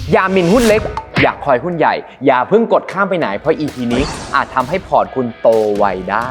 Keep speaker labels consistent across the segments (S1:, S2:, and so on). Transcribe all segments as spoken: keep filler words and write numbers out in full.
S1: อย่าหมิ่นหุ้นเล็กอยากคอยหุ้นใหญ่อย่าเพิ่งกดข้ามไปไหนเพราะ อี พี นี้อาจทำให้พอร์ตคุณโตไวได้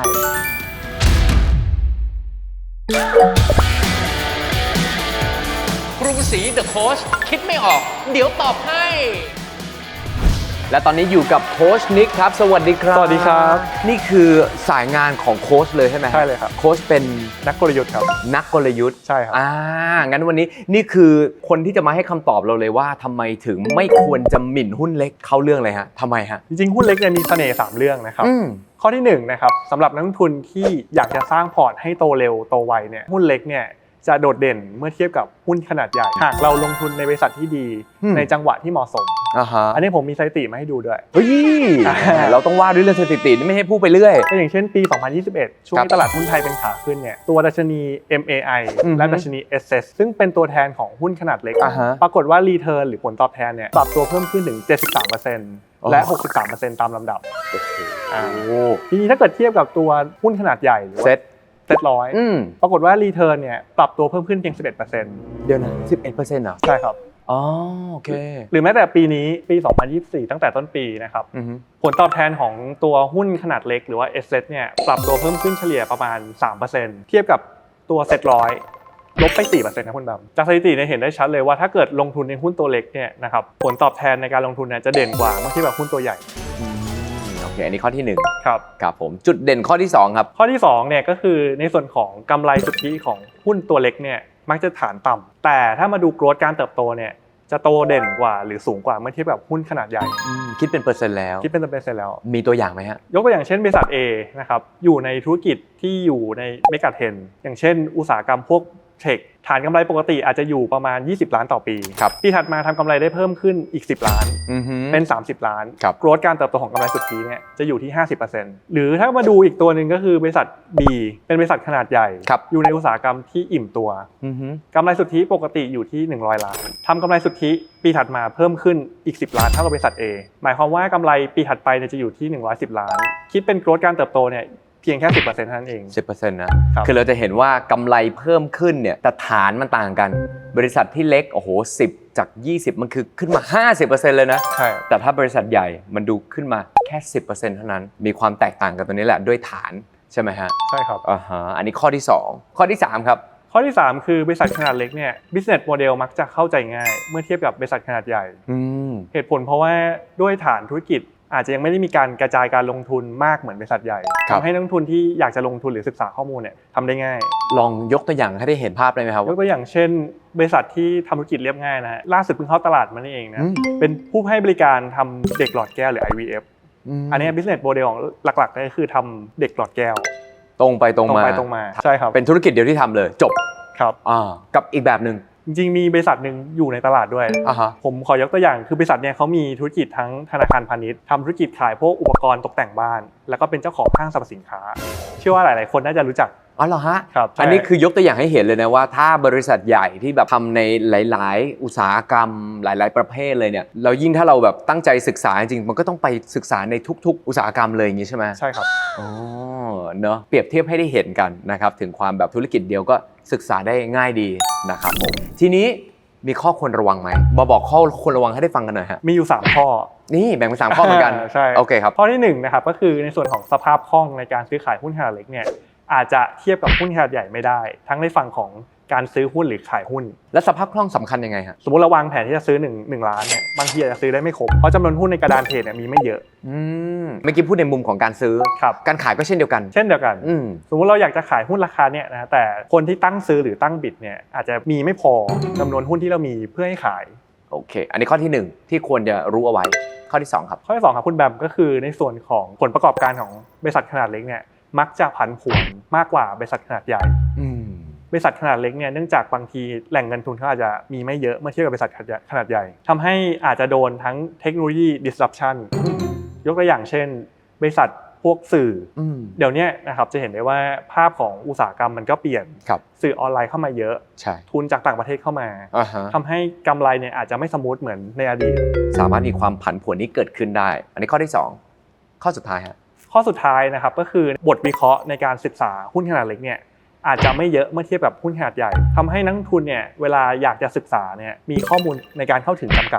S2: กรุงศรีเดอะโค้ชคิดไม่ออกเดี๋ยวตอบให้
S1: และตอนนี้อยู่กับโค้ชนิกครับสวัสดีครับ
S3: สวัสดีครับ
S1: นี่คือสายงานของโค้ชเลยใช่ไหม
S3: ใช่เลยครับ
S1: โค้ชเป็น
S3: นักกลยุทธ์ครับ
S1: นักกลยุทธ์
S3: ใช่ครับ
S1: อ่างั้นวันนี้นี่คือคนที่จะมาให้คำตอบเราเลยว่าทำไมถึงไม่ควรจะหมิ่นหุ้นเล็กเข้าเรื่องเลยฮะทำไมฮะ
S3: จริงๆหุ้นเล็กเนี่ยมีเสน่ห์สามเรื่องนะครับข้อที่หนึ่งนะครับสำหรับนักลงทุนที่อยากจะสร้างพอร์ตให้โตเร็วโตไวเนี่ยหุ้นเล็กเนี่ยจะโดดเด่นเมื่อเทียบกับหุ้นขนาดใหญ่หากเราลงทุนในบริษัทที่ดีในจังหวะที่เหมาะสม
S1: อ่าฮะ
S3: อันนี้ผมมีสถิติมาให้ดูด้วย
S1: เฮ้ยเราต้องว่าด้วยเรื่องสถิติไม่ให้พูดไปเรื่อย
S3: ก็อย่างเช่นปีสองพันยี่สิบเอ็ดช่วงที่ตลาดหุ้นไทยเป็นขาขึ้นเนี่ยตัวดัชนี เอ็ม เอ ไอ และดัชนี เอส เอส ซึ่งเป็นตัวแทนของหุ้นขนาดเล็กปรากฏว่ารีเทิร์นหรือผลตอบแทนเนี่ยปรับตัวเพิ่มขึ้นถึง เจ็ดสิบสามเปอร์เซ็นต์ และ หกสิบสามเปอร์เซ็นต์ ตามลำดับโอ้โหทีนี้ถ้าเกิดเทียบกับตัวหุ้นขนาดใหญ่หรือว่าเซ็ตร้อยปรากฏว่ารีเทิร์นเนี่ยปรับตัวเพิ่มขึ้นเพียง สิบเอ็ดเปอร์เซ็นต์
S1: เดี๋ยวนะ สิบเอ็ดเปอร์เซ็นต์ เหรอ
S3: ใช่ครับ
S1: อ๋อโอเค
S3: หรือแม้แต่ปีนี้ปีสองพันยี่สิบสี่ตั้งแต่ต้นปีนะครับผลตอบแทนของตัวหุ้นขนาดเล็กหรือว่า เอส เอส เนี่ยปรับตัวเพิ่มขึ้นเฉลี่ยประมาณ สามเปอร์เซ็นต์ เทียบกับตัวเซ็ตร้อยลบไป สี่เปอร์เซ็นต์ นะคุณดำจากสถิติเนี่ยเห็นได้ชัดเลยว่าถ้าเกิดลงทุนในหุ้นตัวเล็กเนี่ยนะครับผลตอบแทนในการลงทุนเนี่ยจะเด่นกว่าเมื่อเทียบกับหุ้นตัวใหญ่
S1: โอเคอันนี้ข้อที่หนึ่ง
S3: ครับ
S1: ครับผมจุดเด่นข้อที่สองครับ
S3: ข้อที่สองเนี่ยก็คือในส่วนของกำไรสุทธิของหุ้นตัวเล็กเนี่ยมักจะฐานต่ำแต่ถ้ามาดูโกรธการเติบโตเนี่ยจะโตเด่นกว่าหรือสูงกว่าเมื่อเทียบกับหุ้นขนาดใหญ่
S1: คิดเป็นเปอร์เซ็นต์แล้ว
S3: คิดเป็นเปอร์เซ็นต์แล้ว
S1: มีตัวอย่างไหมฮะ
S3: ยกตัวอย่างเช่นบริษัท A นะครับอยู่ในธุรกิจที่อยู่ในเมกะเทรนด์อย่างเช่นอุตสาหกรรมพวกเทคฐานกำไรปกติอาจจะอยู่ประมาณยี่สิบล้านต่อปีปีถัดมาทำกำไรได้เพิ่มขึ้นอีกสิบล้านเป็นสามสิบล้านโกรธการเติบโตของกำไรสุทธิเนี่ยจะอยู่ที่ ห้าสิบเปอร์เซ็นต์ หรือถ้ามาดูอีกตัวนึงก็คือบริษัท B เป็นบริษัทขนาดใหญ่อยู่ในอุตสาหกรรมที่อิ่มตัวกำไรสุทธิปกติอยู่ที่หนึ่งร้อยล้านทำกำไรสุทธิปีถัดมาเพิ่มขึ้นอีกสิบล้านเท่ากับบริษัท A หมายความว่ากำไรปีถัดไปเนี่ยจะอยู่ที่หนึ่งร้อยสิบล้านคิดเป็นโกรธการเติบโตเนี่ยเพียงแค่ สิบเปอร์เซ็นต์ เท่านั้นเอง
S1: สิบเปอร์เซ็นต์ นะคือเราจะเห็นว่ากำไรเพิ่มขึ้นเนี่ยแต่ฐานมันต่างกันบริษัทที่เล็กโอ้โหสิบจากยี่สิบมันคือขึ้นมา ห้าสิบเปอร์เซ็นต์ เลยนะ
S3: ใช่
S1: แต่ถ้าบริษัทใหญ่มันดูขึ้นมาแค่ สิบเปอร์เซ็นต์ เท่านั้นมีความแตกต่างกันตรงนี้แหละด้วยฐานใช่ไหมฮะ
S3: ใช่ครับ
S1: อ่าฮะอันนี้ข้อที่สองข้อที่สามครับ
S3: ข้อที่สามคือบริษัทขนาดเล็กเนี่ย business model มักจะเข้าใจง่ายเมื่อเทียบกับบริษัทขนาดใหญ่เหตุผลเพราะว่าด้วยฐานธุรกิจอาจจะยังไม่ได้มีการกระจายการลงทุนมากเหมือนบริษัทใหญ่ทำให้นักลงทุนที่อยากจะลงทุนหรือศึกษาข้อมูลเนี่ยทำได้ง่าย
S1: ลองยกตัวอย่างให้ได้เห็นภาพได้ไหมครับ
S3: ยกตัวอย่างเช่นบริษัทที่ทำธุรกิจเรียบง่ายนะล่าสุดเพิ่งเข้าตลาดมานี่เองนะเป็นผู้ให้บริการทำเด็กหลอดแก้วหรือ ไอ วี เอฟ อันนี้ business model ของหลักๆก็คือทำเด็กหลอดแก้ว
S1: ตรงไปตรงมา
S3: ตรงไปตรงมาใช่ครับ
S1: เป็นธุรกิจเดียวที่ทำเลยจบ
S3: ครับ
S1: อ่ากับอีกแบบนึง
S3: จริงๆมีบริษัทหนึ่งอยู่ในตลาดด้วยผมขอยกตัวอย่างคือบริษัทเนี่ยเขามีธุรกิจทั้งธนาคารพาณิชย์ทำธุรกิจขายพวกอุปกรณ์ตกแต่งบ้านแล้วก็เป็นเจ้าของห้างสรรพสินค้าเชื่อว่าหลายๆคนน่าจะรู้จัก
S1: อ๋อเหรอฮะ
S3: ครับ
S1: อันนี้คือยกตัวอย่างให้เห็นเลยนะว่าถ้าบริษัทใหญ่ที่แบบทำในหลายๆอุตสาหกรรมหลายๆประเภทเลยเนี่ยเรายิ่งถ้าเราแบบตั้งใจศึกษาจริงๆมันก็ต้องไปศึกษาในทุกๆอุตสาหกรรมเลยอย่างนี้ใช่ไหม
S3: ใช่ครับ
S1: อ๋อเนอะเปรียบเทียบให้ได้เห็นกันนะครับถึงความแบบธุรกิจเดียวก็ศึกษาได้ง่ายดีนะครับผมทีนี้มีข้อควรระวังไหมมาบอกข้อควรระวังให้ได้ฟังกันหน่อยฮะ
S3: มีอยู่สามข้อ
S1: นี่แบ่งเป็นสามข้อเหมือนกัน
S3: ใช่
S1: โอเคครับ
S3: ข้อที่หนึ่งนะครับก็คือในส่วนของสภาพคล่องในการซื้อขายหุ้นขนาดเล็กเนี่ยอาจจะเทียบกับหุ้นขนาดใหญ่ไม่ได้ทั้งในฝั่งของการซื้อหุ้นหรือขายหุ้น
S1: และสภาพคล่องสำคัญยังไงฮะ
S3: สมมติเราวางแผนที่จะซื้อหนึ่ง หนึ่งล้านเนี่ยบางทีอาจจะซื้อได้ไม่ครบเพราะจำนวนหุ้นในกระดานเทรดเนี่ยมีไม่เยอะ
S1: อืมเมื่อกี้พูดในมุมของการซื้อการขายก็เช่นเดียวกัน
S3: เช่นเดียวกันสมมติเราอยากจะขายหุ้นราคาเนี่ยนะแต่คนที่ตั้งซื้อหรือตั้งบิดเนี่ยอาจจะมีไม่พอจำนวนหุ้นที่เรามีเพื่อให้ขาย
S1: โอเคอันนี้ข้อที่หนึ่งที่ควรจะรู้เอาไว้ข้อที่สองครับ
S3: ข้อที่สองครับคุณแบมก็คือในส่วนของผลประกอบการของบริษัทขนาดเล็กเนี่ยมักจะผันผวนมากกว่าบริษัทขนาดใหญ่บริษัทขนาดเล็กเนี่ยเนื่องจากบางทีแหล่งเงินทุนเขาอาจจะมีไม่เยอะเมื่อเทียบกับบริษัทขนาดใหญ่ทำให้อาจจะโดนทั้งเทคโนโลยี disruption ยกตัวอย่างเช่นบริษัทพวกสื่อเดี๋ยวนี้นะครับจะเห็นได้ว่าภาพของอุตสาหกรรมมันก็เปลี่ยนสื่อออนไลน์เข้ามาเยอะทุนจากต่างประเทศเข้ามาทำให้กำไรเนี่ยอาจจะไม่สมูทเหมือนในอดีต
S1: สามารถมีความผันผวนนี้เกิดขึ้นได้อันนี้ข้อที่สองข้อสุดท้ายฮะ
S3: ข้อสุดท้ายนะครับก็คือบทวิเคราะห์ในการศึกษาหุ้นขนาดเล็กเนี่ยอาจจะไม่เยอะเมื่อเทียบกับหุ้นขนาดใหญ่ทำให้นักลงทุนเนี่ยเวลาอยากจะศึกษาเนี่ยมีข้อมูลในการเข้าถึงจำกัด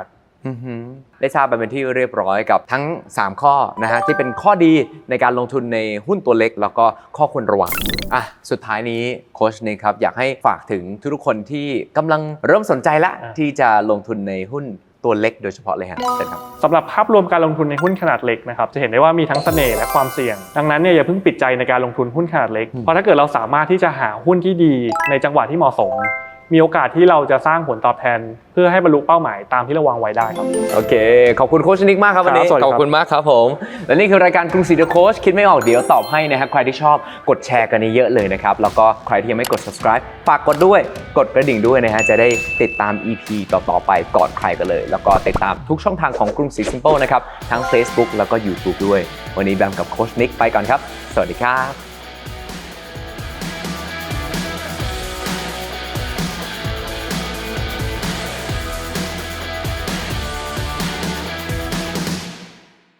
S1: อือหือได้ทราบไปเป็นที่เรียบร้อยกับทั้งสามข้อนะฮะที่เป็นข้อดีในการลงทุนในหุ้นตัวเล็กแล้วก็ข้อควรระวังอ่ะสุดท้ายนี้โค้ชนิกครับอยากให้ฝากถึงทุกๆคนที่กำลังเริ่มสนใจละที่จะลงทุนในหุ้นตัวเล็กโดยเฉพาะเลยฮะเชิญครับ
S3: สำหรับภาพรวมการลงทุนในหุ้นขนาดเล็กนะครับจะเห็นได้ว่ามีทั้งเสน่ห์และความเสี่ยงดังนั้นเนี่ยอย่าเพิ่งปิดใจในการลงทุนหุ้นขนาดเล็กเพราะถ้าเกิดเราสามารถที่จะหาหุ้นที่ดีในจังหวะที่เหมาะสมมีโอกาสที่เราจะสร้างผลตอบแทนเพื่อให้บรรลุเป้าหมายตามที่เราวางไว้ได้ครับ
S1: โอเคขอบคุณโค้ชนิกมากครับวันนี้ขอบคุณมากครับผมและนี่คือรายการกรุงศรีเดอะโค้ชคิดไม่ออกเดี๋ยวตอบให้นะครับใครที่ชอบกดแชร์กันเยอะเลยนะครับแล้วก็ใครที่ยังไม่กด subscribe ฝากกดด้วยกดกระดิ่งด้วยนะฮะจะได้ติดตาม อี พี ต่อๆไปก่อนใครกันเลยแล้วก็ติดตามทุกช่องทางของกรุงศรีซิมเปิลนะครับทั้ง Facebook แล้วก็ YouTube ด้วยวันนี้แบมกับโค้ชนิกไปก่อนครับสวัสดีครับ